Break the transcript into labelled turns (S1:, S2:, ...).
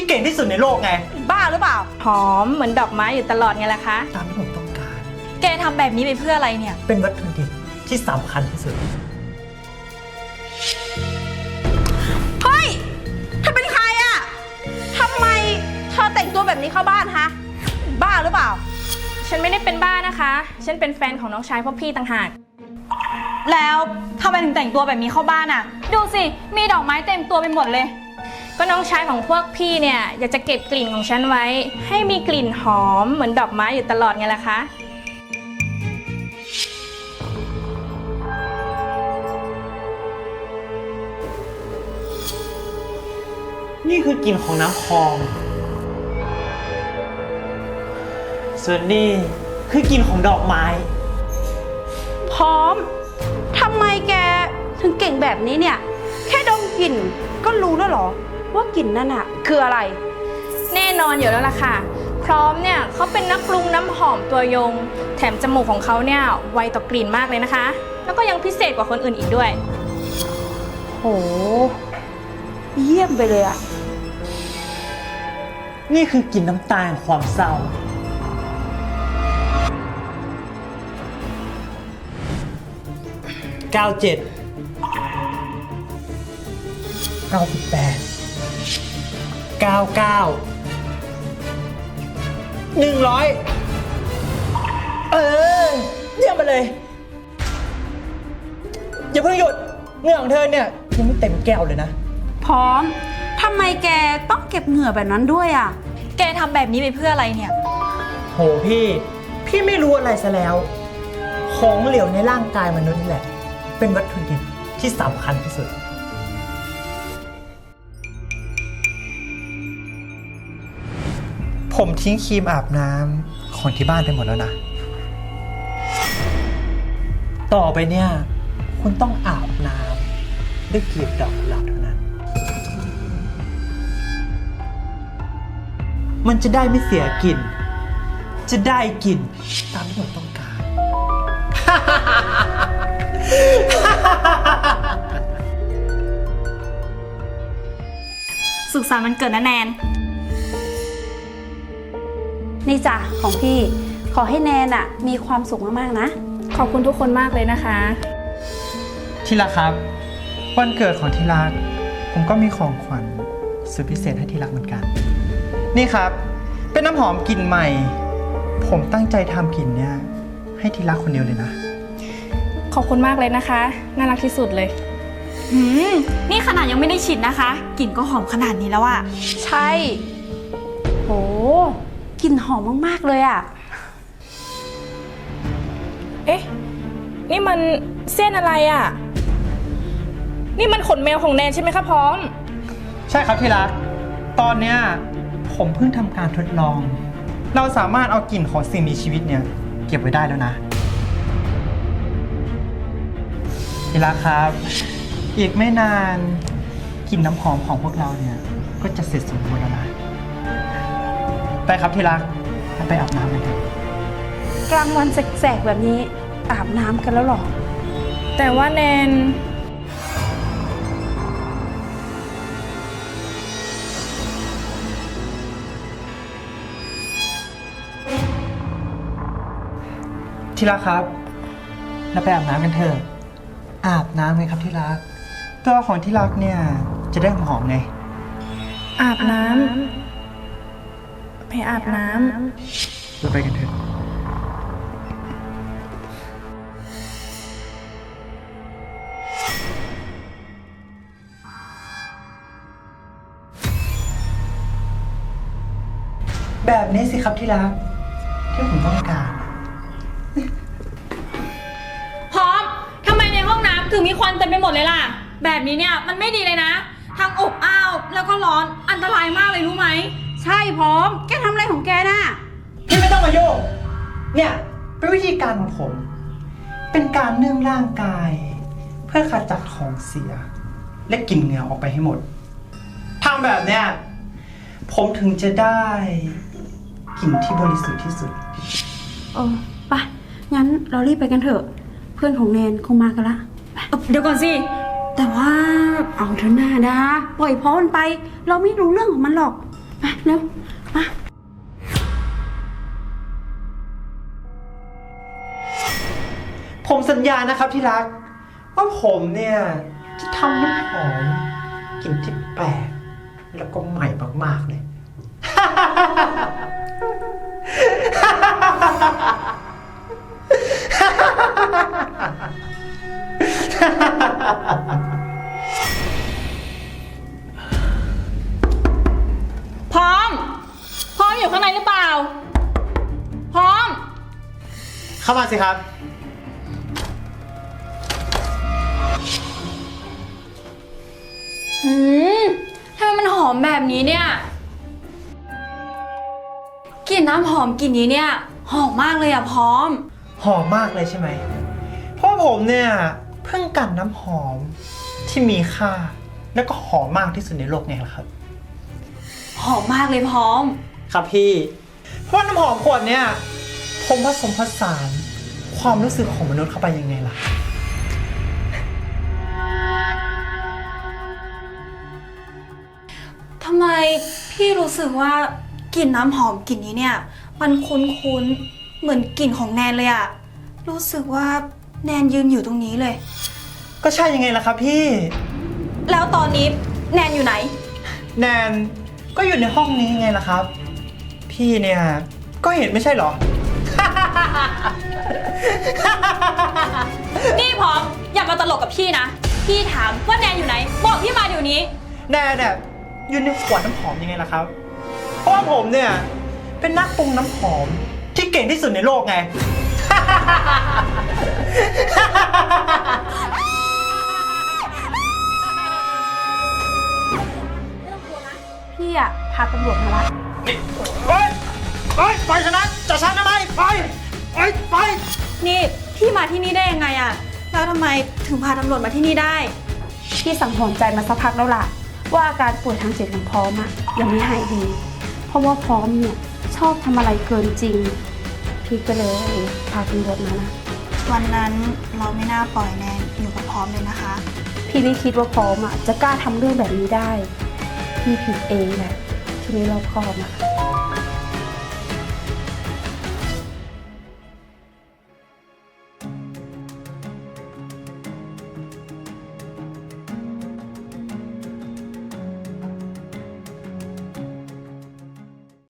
S1: เก่งที่สุดในโลกไง
S2: บ้าหรือเปล่า
S3: หอมเหมือนดอกไม้อยู่ตลอดไงล่ะคะ
S1: ตามที่ผมต้องการ
S4: แกทำแบบนี้ไปเพื่ออะไรเนี่ย
S1: เป็นวัตถุดิบที่สำคัญที่สุด
S2: เฮ้ยเธอเป็นใครอะทำไมเธอแต่งตัวแบบนี้เข้าบ้านฮะบ้าหรือเปล่า
S3: ฉันไม่ได้เป็นบ้านะคะฉันเป็นแฟนของน้องชายพวกพี่ต่างหาก
S4: แล้วทำไมถึงแต่งตัวแบบนี้เข้าบ้านอ่ะดูสิมีดอกไม้เต็มตัวไปหมดเลย
S3: ก็น้องชายของพวกพี่เนี่ยอยากจะเก็บกลิ่นของฉันไว้ให้มีกลิ่นหอมเหมือนดอกไม้อยู่ตลอดไงล่ะคะ
S1: นี่คือกลิ่นของน้ำคลองส่วนนี่คือกลิ่นของดอกไม้
S2: พร้อมทำไมแกถึงเก่งแบบนี้เนี่ยแค่ดมกลิ่นก็รู้แล้วเหรอว่ากลิ่นนั่นอะคืออะไร
S3: แน่นอนอยู่แล้วล่ะค่ะพร้อมเนี่ยเขาเป็นนักปรุงน้ำหอมตัวยงแถมจมูกของเขาเนี่ยไวต่อกลิ่นมากเลยนะคะแล้วก็ยังพิเศษกว่าคนอื่นอีกด้วย
S2: โหเยี่ยมไปเลยอะ
S1: นี่คือกลิ่นน้ำตาแห่งความเศร้า97 98 99 100เยี่ยมไปเลยอย่าเพิ่งหยุดเหงื่อของเธอเนี่ยยังไม่เต็มแก้วเลยนะ
S2: พร้อมทำไมแกต้องเก็บเหงื่อแบบนั้นด้วยอะ
S4: แกทำแบบนี้ไปเพื่ออะไรเนี่ย
S1: โหพี่ไม่รู้อะไรซะแล้วของเหลวในร่างกายมนุษย์นี่แหละเป็นวัตถุดิบที่สำคัญที่สุดผมทิ้งครีมอาบน้ำของที่บ้านไปหมดแล้วนะต่อไปเนี่ยคุณต้องอาบน้ำด้วยกลีบดอกกุหลาบเท่านั้นมันจะได้ไม่เสียกลิ่นจะได้กลิ่นตามที่ผมต้องการ
S4: สุขสันต์วันเกิดนะแนน
S2: นี่จ้ะของพี่ขอให้แนนอะมีความสุขมากๆนะ
S3: ขอบคุณทุกคนมากเลยนะคะ
S1: ที่รักครับวันเกิดของที่รักผมก็มีของขวัญสุดพิเศษให้ที่รักเหมือนกันนี่ครับเป็นน้ำหอมกลิ่นใหม่ผมตั้งใจทำกลิ่นเนี้ยให้ที่รักคนเดียวเลยนะ
S3: ขอบคุณมากเลยนะคะน่ารักที่สุดเลย
S4: นี่ขนาดยังไม่ได้ฉีดนะคะกลิ่นก็หอมขนาดนี้แล้วอะ
S2: ใช่โหกลิ่นหอมมากๆเลยอะ
S3: เอ๊ะนี่มันเส้นอะไรอะนี่มันขนแมวของแนนใช่ไหมคะพร้อม
S1: ใช่ครับที่รักตอนเนี้ยผมเพิ่งทำการทดลองเราสามารถเอากลิ่นของสิ่งมีชีวิตเนี่ยเก็บไว้ได้แล้วนะที่รักครับอีกไม่นานกลิ่นน้ำหอมของพวกเราเนี่ยก็จะเสร็จสมบูรณ์แล้วนะไปครับที่รักไปอาบน้ำกันเถอะ
S2: กลางวันแสกๆแบบนี้อาบน้ำกันแล้วหรอ
S3: แต่ว่าแนน
S1: ที่รักครับเราไปอาบน้ำกันเถอะอาบน้ำไงครับที่รักตัวของที่รักเนี่ยจะได้หอมไง
S3: อาบน้ำไปอาบน้ำ
S1: เราไปกันเถอะแบบนี้สิครับที่รักที่ผมต้องการ
S4: พร้อมทำไมในห้องน้ำถึงมีควันเต็มไปหมดเลยล่ะแบบนี้เนี่ยมันไม่ดีเลยนะทั้งอบอ้าวแล้วก็ร้อนอันตรายมากเลยรู้ไหม
S2: ใช่พร้อมแกทำอะไรของแกน่ะ
S1: พี่ไม่ต้องมาโยกเนี่ยเป็นวิธีการของผมเป็นการนึ่งร่างกายเพื่อขจัดของเสียและกลิ่นเหงื่อออกไปให้หมดทำแบบเนี้ยผมถึงจะได้กลิ่นที่บริสุทธิ์ที่สุด
S2: ไปงั้นเรารีบไปกันเถอะเพื่อนของแนนคงมากันละ
S4: เดี๋ยวก่อนสิ
S2: แต่ว่าเอาเถอะหน้าดาปล่อยพร้อมมันไปเราไม่รู้เรื่องของมันหรอกมาเร็ว มา
S1: ผมสัญญานะครับที่รัก ว่าผมเนี่ยจะทำน้ำหอมกลิ่นที่แปลกแล้วก็ใหม่มากๆเลย
S4: พร้อม พร้อมอยู่ข้างในหรือเปล่า พร้อม
S1: เข้ามาสิครับ
S4: ทำไมมันหอมแบบนี้เนี่ย กลิ่นน้ำหอมกลิ่นนี้เนี่ย หอมมากเลยอะพร้อม
S1: หอมมากเลยใช่ไหม เพราะว่าผมเนี่ยเพิ่งกลั่นน้ำหอมที่มีค่า แล้วก็หอมมากที่สุดในโลกไงล่ะครับ
S4: หอมมากเลยพร้อม
S1: ครับพี่ เพราะว่าน้ำหอมขวดเนี่ยผมผสมผสานความรู้สึกของมนุษย์เข้าไปยังไงล่ะ
S4: ทำไมพี่รู้สึกว่ากลิ่นน้ำหอมกลิ่นนี้เนี่ย มันคุ้นๆ เหมือนกลิ่นของแนนเลยอะรู้สึกว่าแนนยืนอยู่ตรงนี้เลย
S1: ก็ใช่ยังไงล่ะครับพี่
S4: แล้วตอนนี้แนนอยู่ไหน
S1: แนนก็อยู่ในห้องนี้ไงล่ะครับ พี่เนี่ยก็เห็นไม่ใช่เหรอ
S4: นี่พร้อมอย่ามาตลกกับพี่นะ พี่ถามว่าแนนอยู่ไหน บอกพี่มาเดี๋ยวนี้
S1: แนนเนี่ยอยู่ในขวดน้ำหอมยังไงล่ะครับ เพราะว่าผมเนี่ยเป็นนักปรุงน้ำหอมที่เก่งที่สุดในโลกไง
S2: พี่อะพาตำรวจมาละ
S1: ไปไปชนะจะชนะทำไมไป
S4: นี่พี่มาที่นี่ได้ยังไงอะแล้วทำไมถึงพาตำรวจมาที่นี่ได้
S2: พี่สังหรณ์ใจมาสักพักแล้วล่ะ ว่าอาการป่วยทางจิตของพร้อมอะยังไม่หายดี เพราะว่าพร้อมเนี่ยชอบทำอะไรเกินจริง พี่ก็เลยพาตำรวจมานะ
S4: วันนั้นเราไม่น่าปล่อยแนนอยู่กับพร้อมเลยนะคะ
S2: พี่ไม่คิดว่าพร้อมอะจะกล้าทำเรื่องแบบนี้ได้ พี่ผิดเองแหละที่ไม่รอบคอบอะ